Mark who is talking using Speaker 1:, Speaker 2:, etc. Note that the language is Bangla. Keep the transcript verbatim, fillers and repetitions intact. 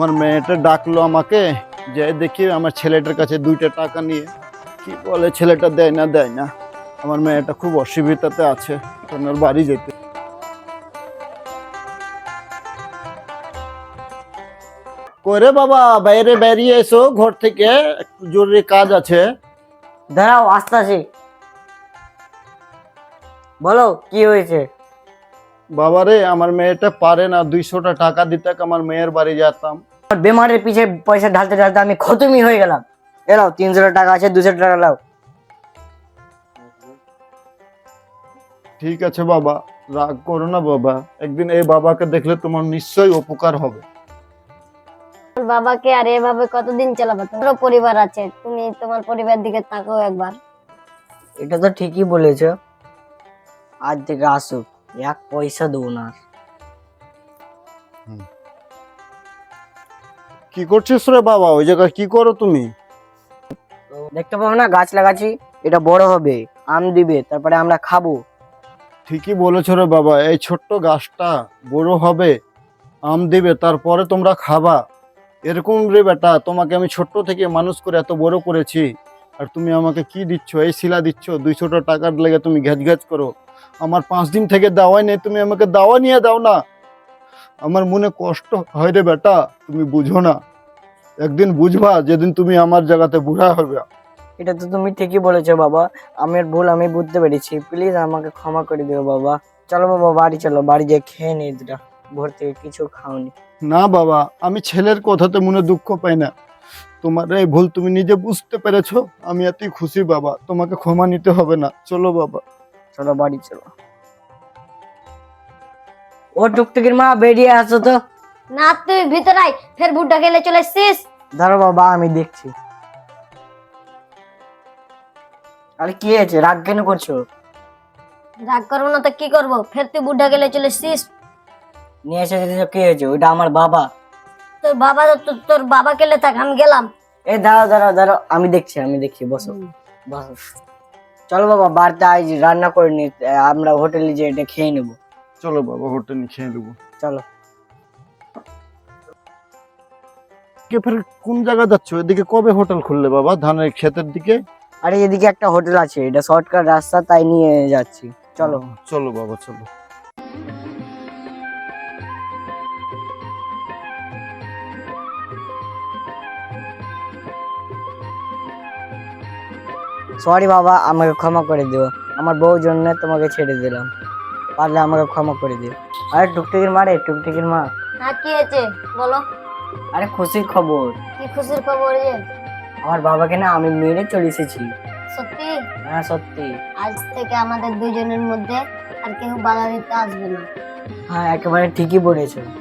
Speaker 1: আমার মেয়েটা ডাকলো আমাকে, যে দেখি আমার ছেলেটার কাছে দুইটা টাকা নিয়ে কি বলে, ছেলেটা দেয় না দেয় না। আমার মেয়েটা খুব অসুবিধাতে আছে, ওনার বাড়ি যেতে। করে বাবা, বাইরে বেরিয়ে এসো ঘর থেকে, একটু জরুরি কাজ আছে।
Speaker 2: দাঁড়াও, আসতেছি। বলো কি হয়েছে?
Speaker 1: বাবারে, আমার মেয়েটা পারে না, দুইশোটা টাকা দিতে আমার মেয়ের বাড়ি যেতাম।
Speaker 2: বেমারের পিছে পয়সা ঢালতে ঢালতে আমি খতমই হয়ে গেলাম। এলাও, তিনশো টাকা আছে, দুশো টাকা লাও।
Speaker 1: ঠিক আছে বাবা, রাগ করো না বাবা, একদিন এই বাবাকে দেখলে তোমার নিশ্চয়ই উপকার হবে।
Speaker 3: তোমার বাবাকে আর এভাবে কতদিন চালাবে? তোমারও পরিবার আছে, তুমি তোমার পরিবার দিকে তাকাও একবার।
Speaker 2: এটা তো ঠিকই বলেছ। আজ থেকে আসুক, এক পয়সা দেবো না আর।
Speaker 1: কি করছিস রে বাবা? ওই জায়গায় কি করো তুমি?
Speaker 2: দেখতে পাবো না, গাছ লাগাচ্ছি, এটা বড় হবে, আম দিবে, তারপরে আমরা খাবো।
Speaker 1: ঠিকই বলেছো রে বাবা, এই ছোট্ট গাছটা বড় হবে, আম দিবে, তারপরে তোমরা খাবা। এরকম রে বেটা, তোমাকে আমি ছোট্ট থেকে মানুষ করে এত বড় করেছি, আর তুমি আমাকে কি দিচ্ছ? এই শিলা দিচ্ছ, দুইশোটা টাকার লেগে তুমি ঘ্যাচ ঘ্যাচ করো। আমার পাঁচ দিন থেকে দাওয়াই নেই, তুমি আমাকে দাওয়া নিয়ে দাও না। আমার মনে কষ্ট হয় রে বেটা, তুমি বুঝো না। একদিন বুঝবা, যেদিন তুমি আমার জায়গাতে বুড়া হবে।
Speaker 2: এটা তো তুমি ঠিকই বলেছো বাবা, আমার ভুল, আমি বুঝতে পেরেছি। প্লিজ আমাকে ক্ষমা করে দিও বাবা। চলো বাবা, বাড়ি চলো, বাড়ি গিয়ে খেয়ে নি দুটা। ভোর থেকে কিছু খাওনি।
Speaker 1: না বাবা, আমি ছেলের কথাতে মনে দুঃখ পাই না। তোমার এই ভুল তুমি নিজে বুঝতে পেরেছো, আমি এতই খুশি বাবা, তোমাকে ক্ষমা নিতে হবে না। চলো বাবা।
Speaker 2: চলো বাড়ি চলো। ও টুকটুকির মা, বেরিয়ে আসো তো।
Speaker 3: না, তুই ভিতরে আয়, ফের বুড্ডা খেলে চলে এসছিস।
Speaker 2: দাঁড়ো বাবা, আমি দেখছি। আরে কি হয়েছে, রাগ কেন করছো?
Speaker 3: রাগ করবো না তো কি করবো? ফের তুই বুড্ডা খেলে চলে এসছিস।
Speaker 2: নিয়ে এসে দিয়েছো, কি হয়েছে? ওইটা আমার বাবা।
Speaker 3: তোর বাবা তো তোর বাবা খেলে থাক, আমি গেলাম।
Speaker 2: এই দাঁড়াও দাঁড়াও দাঁড়াও, আমি দেখছি আমি দেখছি বসো বসো। চলো বাবা, বাড়িতে আজ রান্না করে নি, আমরা হোটেলে যে এটা খেয়ে নেবো।
Speaker 1: চলো বাবা, হোটেলে খেয়ে দেবো।
Speaker 2: চলো।
Speaker 1: কে ফের কোন জায়গা যাচ্ছ? এদিকে কবে হোটেল খুললে বাবা, ধানের ক্ষেতের দিকে?
Speaker 2: আরে এদিকে একটা হোটেল আছে, এটা শর্টকাট রাস্তা, তাই নিয়ে যাচ্ছি। চলো।
Speaker 1: চলো বাবা চলো।
Speaker 2: সরি বাবা, আমাকে ক্ষমা করে দিও। আমার বউর জন্য তোমাকে ছেড়ে দিলাম, পারলে আমাকে ক্ষমা করে দিও। আরে টুকটুকির মা রে, টুকটুকির মা।
Speaker 3: হ্যাঁ, কি হয়েছে বলো?
Speaker 2: আরে খুশির খবর।
Speaker 3: কি খুশির খবর যে?
Speaker 2: আমার বাবাকে না আমি মেরে চলে এসেছি।
Speaker 3: সত্যি?
Speaker 2: হ্যাঁ সত্যি।
Speaker 3: আজ থেকে আমাদের দুইজনের মধ্যে আর কেউ বাধা দিতে আসবে না।
Speaker 2: হ্যাঁ একেবারে ঠিকই বলেছো।